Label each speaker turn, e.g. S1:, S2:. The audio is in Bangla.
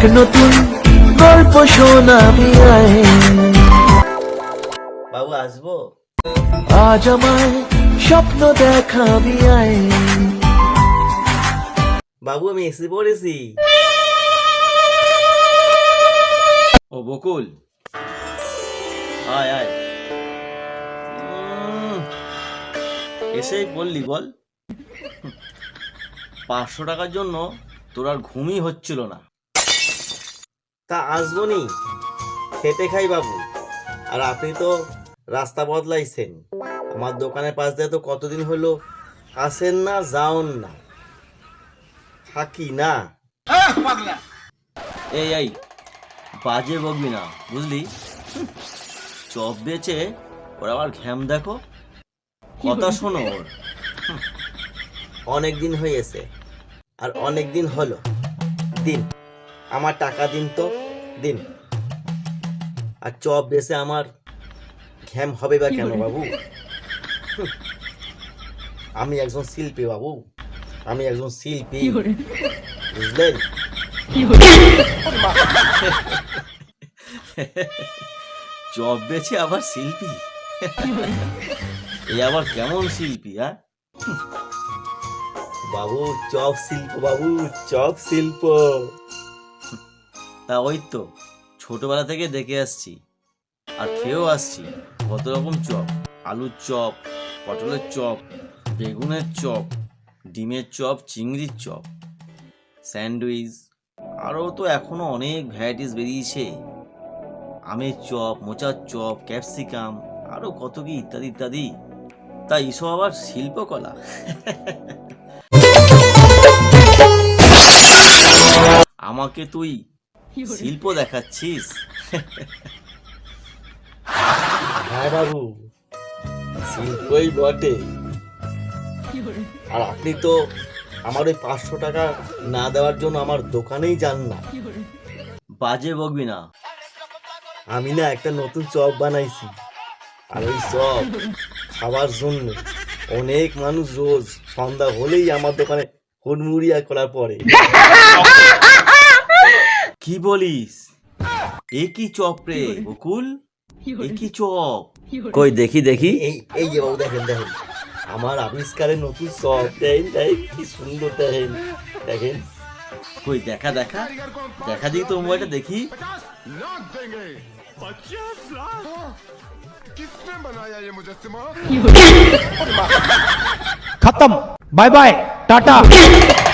S1: এক নতুন গল্প শোনাবি আয়।
S2: বাবু আসবো?
S1: আজ আমায় স্বপ্ন দেখাবি আয়।
S2: বাবু আমি এসে পড়েছি। ও বকুল, আয় আয়। এসেই বললি বল। 500 টাকার জন্য তোর আর ঘুমই হচ্ছিল না। তা আসবো নি, খেটে খাই বাবু। আর আপনি তো রাস্তা বদলাইছেন, আমার দোকানের পাশ দিয়ে তো কতদিন হলো আসেন না, যাওন না, থাকি না। এই বাজে বকবি না বুঝলি। চপ বেচে ওর আবার ঘ্যাম দেখো, কথা শোনো ওর। অনেক দিন হয়েছে আর অনেক দিন হলো, দিন আমার টাকা দিন তো দিন। আর চপ বেচে আমার ঘ্যাম হবে বা কেন বাবু? আমি একজন শিল্পী বাবু, আমি একজন শিল্পী, বুঝলেন? চপ বেচে আবার শিল্পী? এই আবার কেমন শিল্পী? হ্যাঁ বাবু, চপ শিল্প বাবু, চপ শিল্প। তা ওই তো ছোটবেলা থেকে দেখে আসছি আর খেয়েও আসছি কত রকম চপ। আলুর চপ, পটলের চপ, বেগুনের চপ, ডিমের চপ, চিংড়ির চপ, স্যান্ডউইচ, আরও তো এখনো অনেক ভ্যারাইটিস বেরিয়েছে। আমের চপ, মোচার চপ, ক্যাপসিকাম, আরো কত কি ইত্যাদি ইত্যাদি। তাই এসব আবার শিল্পকলা? আমাকে তুই শিল্প দেখাচ্ছিস? হ্যাঁ বাবু, শিল্পই বটে। আর আপনি তো আমার ওই 500 টাকা না দেওয়ার জন্য আমার দোকানেই যান না। বাজে বকবি না। আমি না একটা নতুন চপ বানাইছি, আর ওই চপ খাবার জন্য অনেক মানুষ রোজ সন্ধ্যা হলেই আমার দোকানে হুড়মুড়িয়া করার পরে। কি বলিস? এ কি চপ রে বকুল, এ কি চপ? কই দেখি দেখি। এই যে বাবু দেখেন দেখেন, আমার আবিষ্কারের নতুন চপ। দেখেন কি সুন্দর, দেখেন দেখেন। কই দেখা দেখা দেখা দিই তো মোবাইলটা দেখি।
S3: किसने बनाया ये मुजस्सिमा?
S4: खत्म, बाय बाय, टाटा।